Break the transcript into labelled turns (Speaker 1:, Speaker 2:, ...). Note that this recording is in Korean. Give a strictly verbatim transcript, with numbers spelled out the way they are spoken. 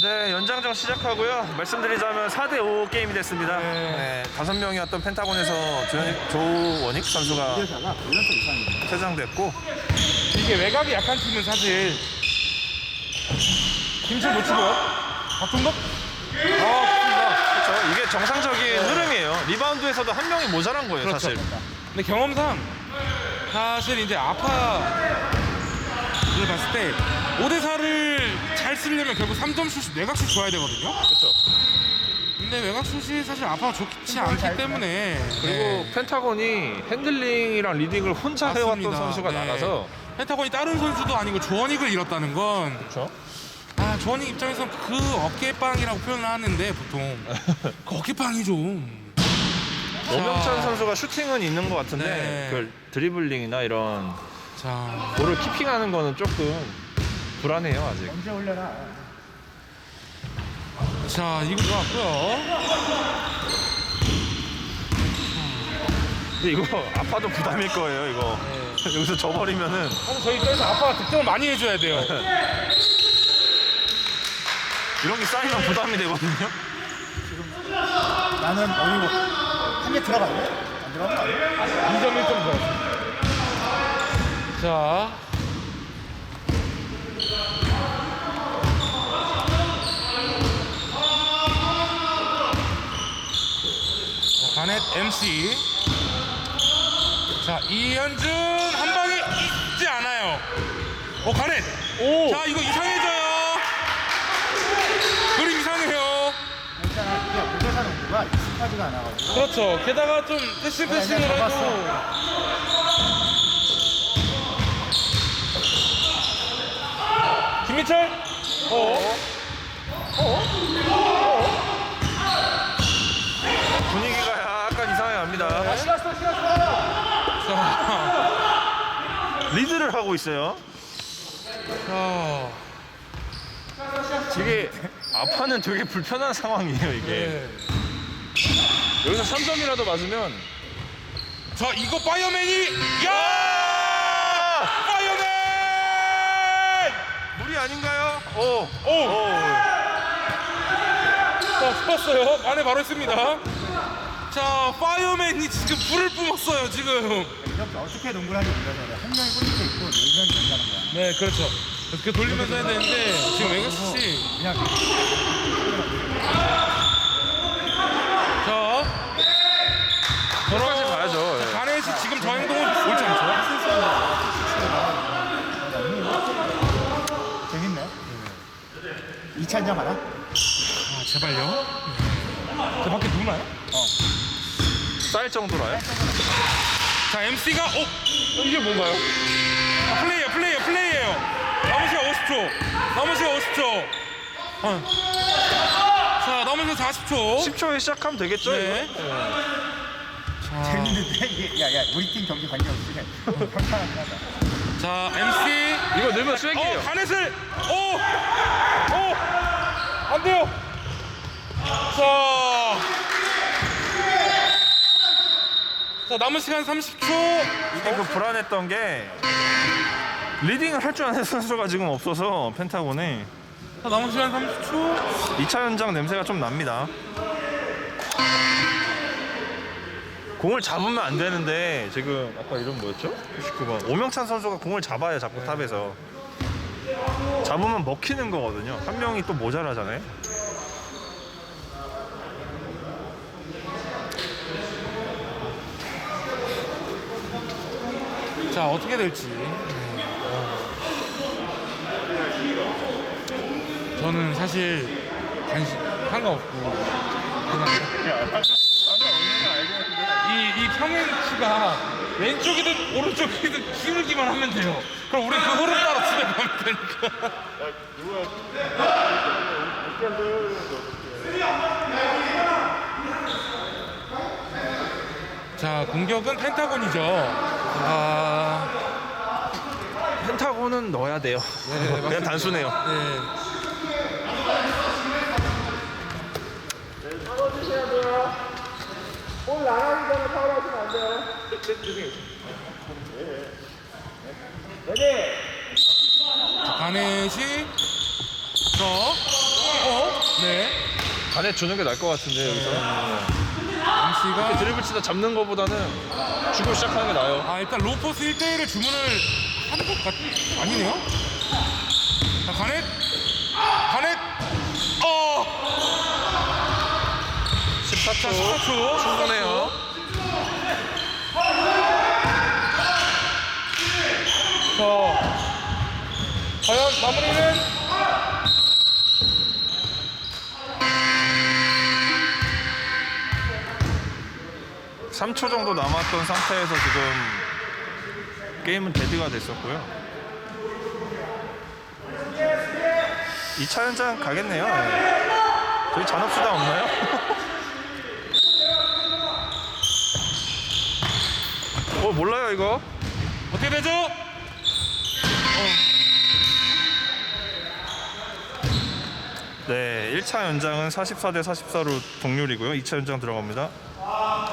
Speaker 1: 네, 연장전 시작하고요. 말씀드리자면 사 대 오 게임이 됐습니다. 네, 다섯 명이었던 펜타곤에서 조, 조원익 선수가 퇴장됐고,
Speaker 2: 이게 외곽이 약한 팀은 사실 김철 놓치고요. 박종덕? 아,
Speaker 1: 그렇죠. 이게 정상적인 흐름이에요. 리바운드에서도 한 명이 모자란 거예요,
Speaker 2: 그렇죠.
Speaker 1: 사실.
Speaker 2: 근데 경험상 사실 이제 아파를 봤을 때 오 대 사를 잘 쓰려면 결국 삼 점 슛, 외곽 슛 줘야 되거든요.
Speaker 1: 그렇죠.
Speaker 2: 근데 외곽 슛이 사실 아파가 좋지 않기 때문에
Speaker 1: 그리고
Speaker 2: 네.
Speaker 1: 펜타곤이 핸들링이랑 리딩을 혼자 해왔던
Speaker 2: 맞습니다.
Speaker 1: 선수가
Speaker 2: 네.
Speaker 1: 나가서.
Speaker 2: 펜타곤이 다른 선수도 아니고 조원익을 잃었다는 건
Speaker 1: 그렇죠.
Speaker 2: 아, 조원익 입장에서는 그 어깨빵이라고 표현을 하는데 보통 그 어깨빵이 좀
Speaker 1: 오명찬
Speaker 2: 자,
Speaker 1: 선수가 슈팅은 있는 것 같은데
Speaker 2: 네.
Speaker 1: 그 드리블링이나 이런
Speaker 2: 자,
Speaker 1: 볼을 키핑하는 거는 조금 불안해요, 아직.
Speaker 3: 언제 올려놔?
Speaker 2: 자 이거 들어갔고요.
Speaker 1: 근데 이거 아파도 부담일 거예요, 이거.
Speaker 2: 네.
Speaker 1: 여기서 져버리면은.
Speaker 2: 사실 저희 입장에서 아빠가 득점을 많이 해줘야 돼요.
Speaker 1: 이런 게 쌓이면 부담이 되거든요.
Speaker 3: 나는 어이고 한 개 들어갔네? 안 들어간 거 아니야?
Speaker 2: 이 점 일 점 들어갔습니다. 자, 자, 가넷 엠씨. 자, 이현준 한 방이 있지 않아요. 어, 가넷.
Speaker 1: 오!
Speaker 2: 자, 이거 이상해져요. 그림 이상해요.
Speaker 3: 괜찮아. 이게 오대사 농구가 익숙하지가 않아가지고.
Speaker 2: 그렇죠. 게다가 좀 패싱 패싱을
Speaker 3: 그냥
Speaker 2: 해도
Speaker 3: 잡았어.
Speaker 2: 김민철. 어.
Speaker 1: 분위기가 약간 이상해 갑니다.
Speaker 2: 자,
Speaker 1: 리드를 하고 있어요.
Speaker 2: 자,
Speaker 1: 이게 아파는 되게 불편한 상황이에요, 이게.
Speaker 2: 네.
Speaker 1: 여기서 삼 점이라도 맞으면.
Speaker 2: 자, 이거 파이어맨이 야! 파이어맨!
Speaker 1: 무리 아닌가요? 오.
Speaker 2: 오! 자, 죽었어요. 안에 바로 있습니다. 자, 파이어맨이 지금 불을 뿜었어요, 지금.
Speaker 3: 이렇게 어떻게 농구를 하는지 몰라서 한 명이 골밑에 있고 네 명이 된다는 거야.
Speaker 2: 네, 그렇죠. 이렇게 돌리면서 해야 되는데 지금 웨가스씨.
Speaker 3: 그냥
Speaker 2: 자,
Speaker 1: 끝까지 가야죠. 예.
Speaker 2: 가넷이 지금 저 행동은 옳지 않죠?
Speaker 3: 재밌네. 이 차 인정 알아?
Speaker 2: 아, 제발요. 저 밖에 누나요?
Speaker 1: 쌓일 정도라요?
Speaker 2: 자, 엠씨가 어? 이게 뭔가요? 아, 플레이야, 플레이야, 플레이예요. 남은 시간 오십 초. 남은 시간 오십 초. 어. 자, 남은 시간 사십 초.
Speaker 1: 십 초에 시작하면 되겠죠?
Speaker 2: 네.
Speaker 1: 이거?
Speaker 2: 자,
Speaker 3: 재밌는데 이게 야야 우리 팀 경기 관계없이 평탄하긴 하다.
Speaker 2: 자, 엠씨.
Speaker 1: 이거 넣으면 쐐기예요.
Speaker 2: 어, 가넷을. 오! 오! 안 돼요. 자. 자, 남은 시간 삼십 초.
Speaker 1: 이게 그 불안했던 게 리딩을 할 줄 아는 선수가 지금 없어서 펜타곤에
Speaker 2: 자, 남은 시간 삼십 초.
Speaker 1: 이 차 연장 냄새가 좀 납니다. 공을 잡으면 안 되는데 지금 아까 이름 뭐였죠? 구십구 번 오명찬 선수가 공을 잡아야 자꾸 탑에서 잡으면 먹히는 거거든요. 한 명이 또 모자라잖아요.
Speaker 2: 자, 어떻게 될지. 저는 사실 관심 상관없고 그냥 이, 이 평행치가 왼쪽이든 오른쪽이든 기울기만 하면 돼요. 그럼 우리 그 흐름 따라 집에 가면 되니까. 자, 공격은 펜타곤이죠. 아,
Speaker 1: 펜타곤은 넣어야 돼요.
Speaker 2: 네,
Speaker 1: 그냥
Speaker 2: 맞습니다.
Speaker 1: 단순해요.
Speaker 2: 네. 자, 가넷이 저 어? 네.
Speaker 1: 간에 주는 게 나을 것 같은데 여기서.
Speaker 2: 엠씨가
Speaker 1: 드리블 치다 잡는 거보다는 주고 시작하는 게 나아요.
Speaker 2: 아 일단 로포스 일 대 일을 주문을 한 것 같... 아니네요? 자 가넷 가넷 어!
Speaker 1: 십사 초.
Speaker 2: 자 십사 초
Speaker 1: 충분해요.
Speaker 2: 자 과연 마무리는
Speaker 1: 삼 초 정도 남았던 상태에서 지금 게임은 데드가 됐었고요. 이 차 연장 가겠네요. 네. 저희 잔업수당 없나요? 어 몰라요 이거.
Speaker 2: 어떻게 되죠?
Speaker 1: 네, 일 차 연장은 사십사 대 사십사로 동률이고요. 이 차 연장 들어갑니다.